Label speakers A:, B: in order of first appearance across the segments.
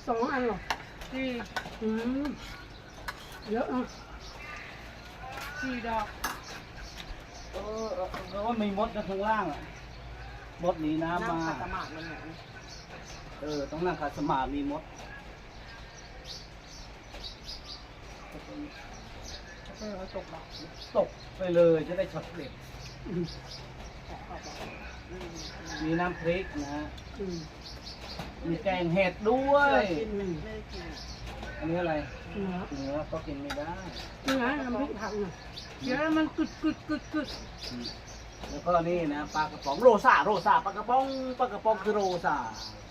A: 2 อันหรอ
B: สี่
A: อืมเยอะอ่ะ
B: 4 ดอก
C: แล้วว่ามีมดข้างล่างอ่ะมดหนีน้ำมา
D: ขัดสมาธิมันเนี่ย
C: ต้องนั่งขัดสมาธิมีมด
D: ตกดอก
C: ตกไปเลยจะได้ช็อตเด็ด
A: อืม
C: มีน้ำพริกนะฮะ
A: อืม
C: มีแกงเห็ดด้วย
D: กินไม่ได้กิน
C: อันนี้อะไร
A: เนื้อ
C: เนื้อก็กินไม่ได้
A: นี่ไงน้ำพริกผักน่ะ
B: เดี๋ยวมันกึดกึดกึดกึด
C: แล้วก็นี่นะปลากระป๋องโรซาปลากระป๋องคือโรซา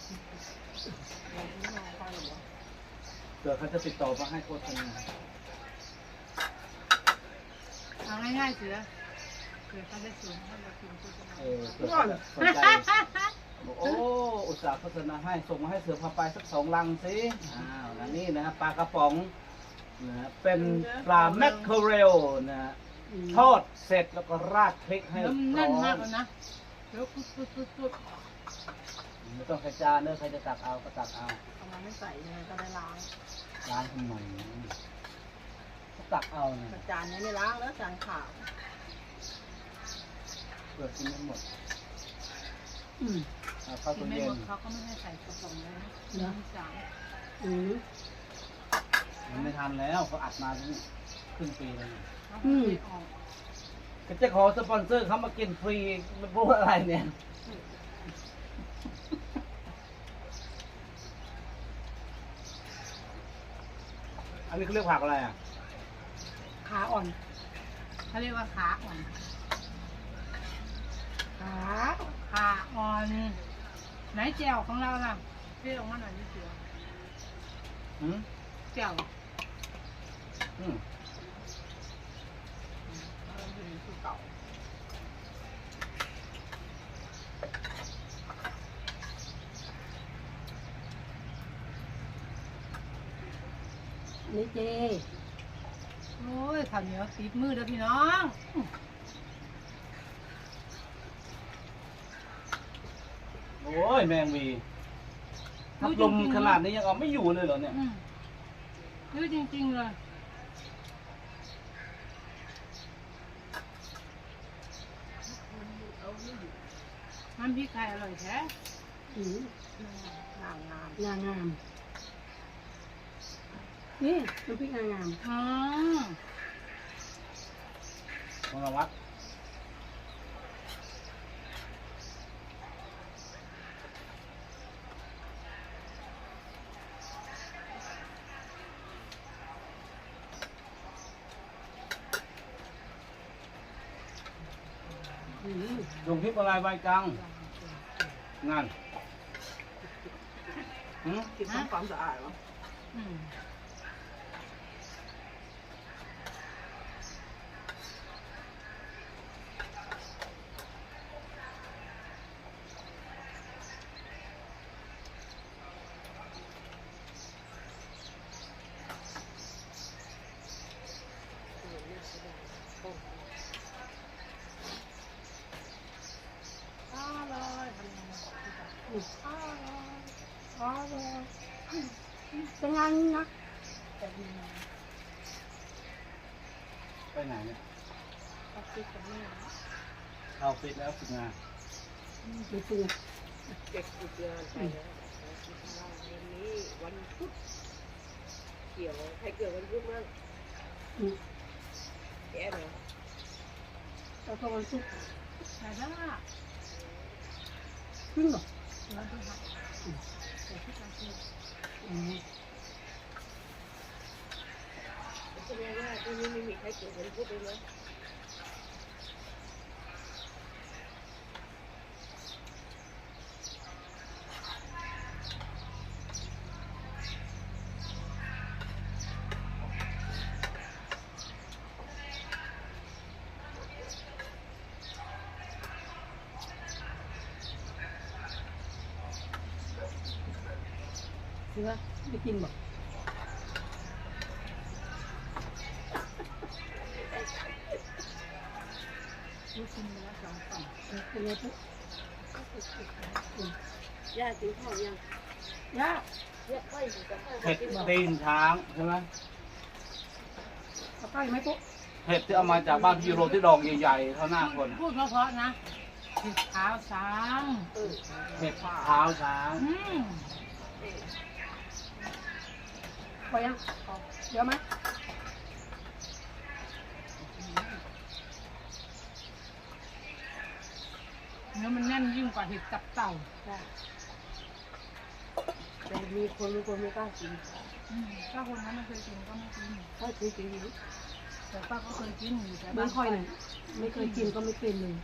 C: เผื่อเขาจะติดต่อมาให้โฆษณา
B: เอาง่ายๆเสือเสือเขาได้สูงเขาจะกินโฆษณา
C: เผื่อเขาจะสนใจบอกโอ้อุตส่าห์โฆษณาให้ส่งมาให้เสือพาไปสัก2 ลังสิแล้วนี่นะปลากระป๋องนะเป็นปลาแมคเคอเรลนะทอดเสร็จแล้วก็ราดพริกให้
B: แล้วมัน
C: พร้
B: แน่น
C: อ
B: มาก
C: ม
B: เลยนะเดี๋ยวกึดกึดกึดกึด
C: ไม่ต้องใส่จานเนอะใครจะตักเอาก็ตักเอา
D: เอามาไม่ใส่เนี่ยก็ได้ล้าง
C: ล้างทำไมก็ตักเอาเนี่ย
D: จานนี้ไม่ล้างแล้วจานขาว
C: เปิดกินไม่หมด
A: อืม
C: เอาเข้า
B: กิ
C: ตู้
B: นไม่
C: เย็
B: หม
C: น
B: ดเขาก็ไม่ให้ใส่กระป๋องเลยนะสาม
A: อืม
C: มันไม่ทันแล้วเขาอัดมาครึ่งปีแล้ว
B: เขาไม่ออก
C: ก็จะขอสปอนเซอร์เขามากินฟรีไม่พูดอะไรเนี่ย อันนี้เขาเรียกผักอะไรอ่ะ
A: ขาอ่อน
B: เขาเรียกว่าขาอ่อน
A: ขา
B: ขาอ่อนไหนแจ่วของเราล่ะเรียกออกมาหน่อยนี่เสือ
C: อืม
B: แจ่ว
C: อืม
D: คือเก่า
A: อันนี้เจ
B: โอ้ยข้าวเหนียวติดมือเด้อพี่น้อง
C: โอ้ยแมงวีพัดลมขนาดนี้ยังเอาไม่อยู่เลยเหรอเนี่ย
B: เยอะจริงๆเลยน้ำพริกไทยอร่อยแท้
A: อืม
D: งามงาม
A: งามงามนี่น้ำพริกงามงาม
B: อ๋อ
C: มรวัตลงคลิปอะไรใบกังงานหืม
D: คิดทำความสะอาดเหรอ
B: อืม
A: เป็นงานนะ
C: ไปไหนเนี่ย
B: เอาพริกกับนี่นะ
C: เอาปิดแล้วฝึกงาน
A: ดูสิ
D: เด็กติดงานไปแล้ววันนี้วันพุธเกี่ยวใครเกิดวันพุธบ้าง
A: อืม
D: แกเหรอ
A: แล้วก็วันศุกร์
B: ใส่ได้
A: ขึ้นเหรอ
B: แล้วดูค่ะใส่พริกกับนี่
A: อืม
D: แสดงว่าที่นี้ไม่มีใครเกิดวันพุธเลยนะ
A: เสือไปกินบ่
B: ลูกชิ้นเนื้อ2 กล่อง
A: เป็นไงปุ๊บ
D: ย่ากินข้าวยัง
A: ย่า
D: เนี่ยค่อยอยู่กับค่อย
C: เห็ด
D: กินหรอ
C: ตีนช้างใช่ไหม
A: เอาใกล้ไหมปุ๊
C: เห็ดที่เอามาจากบ้านพี่โรที่ดอกใหญ่ๆเท่าหน้าคน
B: พูดเพราะๆนะผิดเท้าช้าง
C: เห็ดเท้าช้าง
A: พอยังเยอะไหม
B: เนื้อมันแน่นยิ่งกว่าเห็ดตับเต่า
D: แต่มีคนบางคนไม่กล้ากิน
B: ถ้าคนนั้นไม่เคยกินก็ไม่กิน
D: ถ้ากินจริง
B: แต่ป้าก็เคยกินอยู่แต่
A: เบื้องค่อยหน่อยไม่เคยกินก็ไม่เป็นเลย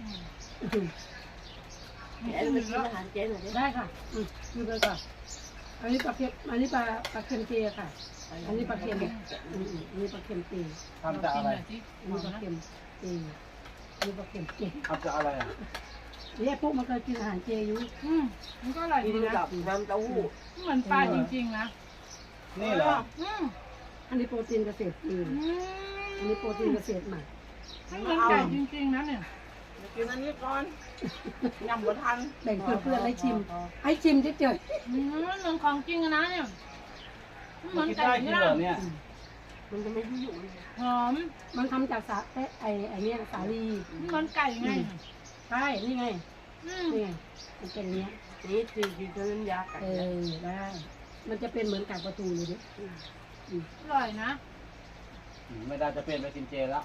D: ๆแอนมากินอาหารเจหน่อยดิ
A: ได้ค่ะดูไปก่อนอันนี้ปลาเค็มอันนี้ปลาเค็มเจค่ะ อันนี้ปลาเค็มอันนี้ปลาเค็มเจ
C: ทำจากอะไร
B: ที่
A: อันนี้ปลาเค็มเจอันนี้ปลาเค็มเจ
C: ทำจากอะไรอ่ะ
A: เนี่ยพวกมันเคยกินอาหารเจอยู่
B: มันก็อร่อย
D: กิ
B: ดี
D: น
B: นะ
D: กับน้ำเต้าหู้
B: เหมือนปลาจริงๆนะ
C: นี่เหรอ
A: อันนี้โปรตีนเกษตรจีนอันนี้โปรตีนเกษตรใหม่
B: ไม่เหมือนไก่จริงๆนะเนี่ย
D: กินอันนี้ก่อนยำบ่ทัน
A: แบ่งเพื่อนๆให้ชิม ให้ชิมเฉย
B: เหมือนของจริงนะเนี่ยเหมือน
C: กิน
B: ไก่
C: ได้จริง
B: ย่า
C: เหรอง เนี่ย
D: มันจะไม่ยุ่งเลย
B: หอม
A: ๆมันทำจากไอ้เนี่ยสาลี
B: เหมือนไก่ไง
A: ใช่นี่ไงนี่ไงมันเป็นเนี้ย
D: นี่คือกินน้ำยาไก่
A: ได้ มันจะเป็นเหมือนไก่ประตูเลยดิ
B: อร่อยนะ
C: ไม่ได้จะเปลี่ยนไปกินเจแล้ว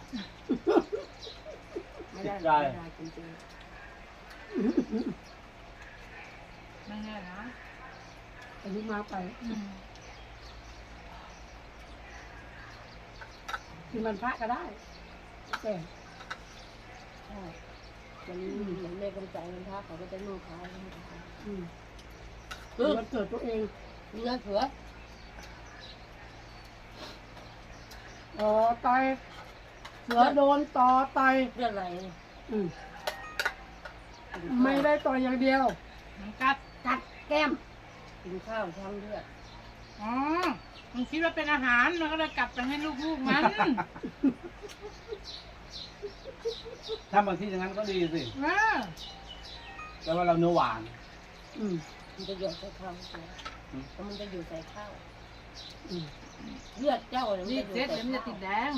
D: ไม่ได้
C: ได้
D: ไม่ได้จริง
B: ไม่แน่นะ
A: อันนี้มาไป กินมันพระก็ได้แต่
D: ๆใช่มันเหมือนแม่กำจัดมันท่าเขาก็จะนุ่งขาวนุ่งขาว
A: มันเกิดตัวเอง
D: เนื้อเผือ
A: ต่อต่อยเสือโดนต่อต่อย
D: เลือดไหล
A: ไม่ได้ต่อยอย่างเดียว
B: มันกัด
A: กัดแก้ม
D: กินข้าวทั้งเลือด
B: อ๋อมันคิดว่าเป็นอาหารมันก็เลยกลับไปให้ลูกๆมัน
C: ถ้าบางที่อย่างนั้นก็ดีสิ
B: เออ
C: แต่ว่าเราเนื้อหวาน
D: มันจะหยดใส่ข้าวแล้วมันจะอยู่ใส่ข้าว
A: อืม
D: เลือดเจ้าเนี่ย
B: รีด
D: มัน
B: เสร็
D: จะ
B: จ
D: อยู่
B: เดี๋ยวมัน
D: ใส่
B: จะติดแด
D: ข้าว
B: ง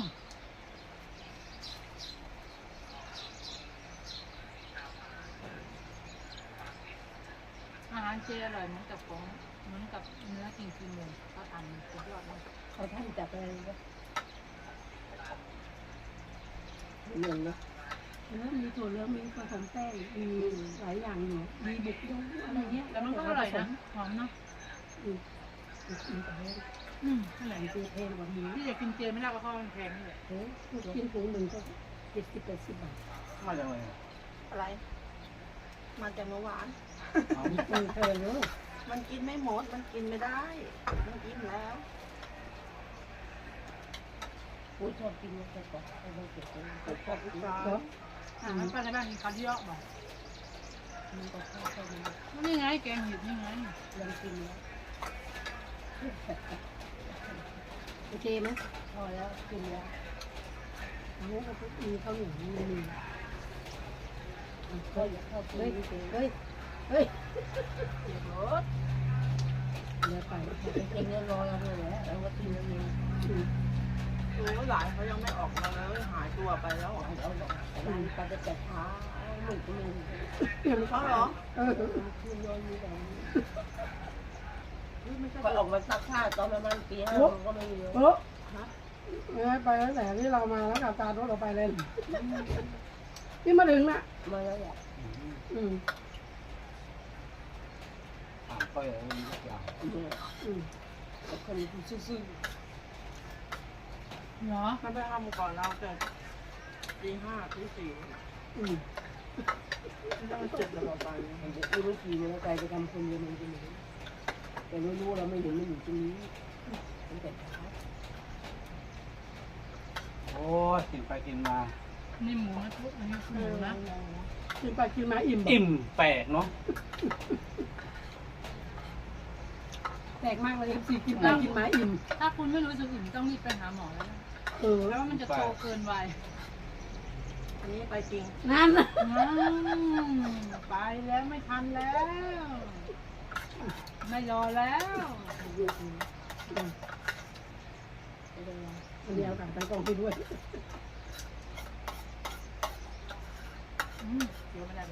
B: อาหารเจอร่อยเหมือนกับของเหมือนกับเนื้อจริงๆเลยเขาทำสุดยอดเลย
D: เขาท่านจับอะไรก็เหมือนนะ
A: แล้วมีถั่วเหลืองมีผสมแป้งมีหลายอย่างอยู่มีบุกยงอะไรเงี้ย
B: แต่มันก็อร่อยนะหอมเนาะ
A: ขนาดเจแพงกว่านี้
B: ที่จะกินเจไม่ได้ก็เพราะมันแพงนี่แหละ
A: กินถุงหนึ่งก็70-80 บาท
C: มาจากไหน
D: อะไร มาจากเมื่อวาน
C: เอา
A: แพงเลย
D: มันกินไม่หมด มันกินไม่ได้ มันกินแล้วกูชอบกินมันแต่ก่อนเอาไปเก็บไว้ชอบกิน
A: เหรอ
B: มันไปในบ้านกินข้าวที่ยอกบอก
D: มันก็ชอบกิน
B: นี่ไงแกงเห็ดนี่ไง
D: ยังกินแล้ว
A: โอเคไหม
D: พอแล้วกินแล้ว
A: อันนี้ก็มีข้าวเหนียวมี
D: ก็อยากเข้ากิน
A: เฮ้ย
D: นี่เอง
A: เฮ้ยเฮ้ย
D: เดี๋ยวรถ
A: เดี๋ยวไป
D: ไปกินเรียบร้อยแล้วเลยแหละแล้วก็กินแล้วเอง
E: โอ้หลานเขายังไม่ออกมาเลยหายตัวไปแล้ว
D: เอาแต่มันปจะจัดช้าหนุ่มก็มี
A: เปลี่ยน
E: เขาเหรอ
D: คืนนอนมีแต่ก็ออกมาซักผ้าตอนประมาณตี 5ก็ไม่มีแล้ว
A: โอ้ไปตั้งแต่ที่เรามาแล้วกับการรถเราไปเลยนี่มาถึงน่ะ
D: มาแล้วแหละ
C: ถามก้อยอะไรมีทุกอย่าง
D: แต่คนซื่อ
B: เหรอ
E: มันไปทำก่อนเราแต่ตี 5 ตี 4มันเจ็บแล้วไป
D: ๆมันจะรู้วิธีมันแล้วใจจะทำคนเดียวมันจะหนีแต่ไม่รู้เราไม่เห็นมันอยู่ตรงนี้ตั้งแต่เช้า
C: โอ้ยกินไปกินมา
B: นี่หมูนะทุกอันนี้หมูนะ
A: กินไปกินมาอิ่ม
C: อิ่มแปลกเนาะ
A: แปลกมากเลยสิกินไปกินมาอิ่ม
B: ถ้าคุณไม่รู้สึกอิ่มต้องรีบไปหาหมอแล้วนะ
A: แล้
B: แล้ว วมันจะโตเกินวัย
E: อันนี้ไปจริง
A: นั่น
B: ไปแล้วไม่ทันแล้วไม่รอแล้ว
A: คนเดียวกันตั้งกล้องไปด้วย
B: เดี๋ยวไม่ได้เลย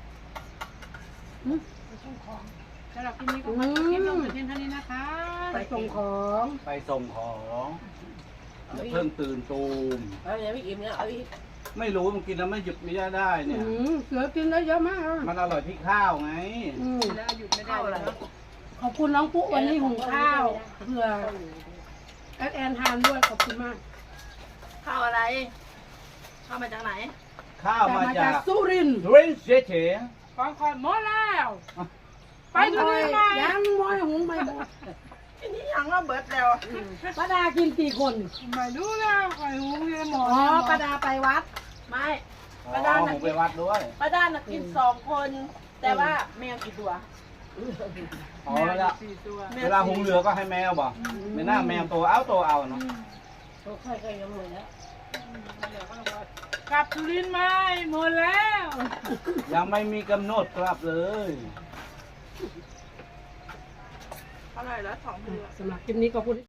A: ไปส่งของ
B: สำหรับที่นี้ก็ขอจบคลิปลงแต่เพียงเท่านี้นะคะ
A: ไปส่งของ
C: ไปส่งของอย่าเพิ่งตื่นตูม
D: เอาอย่างพี่อิ่มเนี่ยเอาอีก
C: ไม่รู้มันกินแล้วไม่หยุดไม่ได้เนี่ย
A: เสือกินได้เยอะมากอ่ะ
C: มันอร่อยที่ข้าวไง
B: แล้วหยุดไม่ได้เลย
A: ขอบคุณน้องปุ๊วันนี้หุงข้าวเพื่อแอนทานด้วยขอบคุณมาก
E: ข้าวอะไรข้าวมาจากไหน
C: ข้าวมาจาก
A: สุรินทร์
C: เรนเฉย
B: ของคอยหมดแล้ว ไปดู
A: ไป
B: นี่ไหม
A: ยังมอยหุงไม่หมด
E: อันนี้ยังว่าเบิร์ดแล้ว
A: ป้าดากินกี่คน
B: ไม่รู้แล้วคอยหูเรียนหมอ
A: อ๋อป้าดาไปวัด
E: ไม่
C: ๆอ๋
E: ป้าด้า
C: อ
E: น่ะ
C: ผมไปวัดด้วย
E: ป้าด้านน่ะกิน2 คน แต่ว่าแมวกี่ตัว
C: อ๋อแล้ว
B: 4 ตัว
C: เวลาหุงเหลือก็ให้แมวบ่ไม่น่าแมวตัวเอาเนาะ
A: เคยยังหมดแล้ว
B: กลับสุรินทร์ไหมหมดแล้ว
C: ยังไม่มีกำหนดกลับเลย
E: เท่าไหร่แล้ว2 เดือน
A: สำหรับคลิปนี้ก็พูด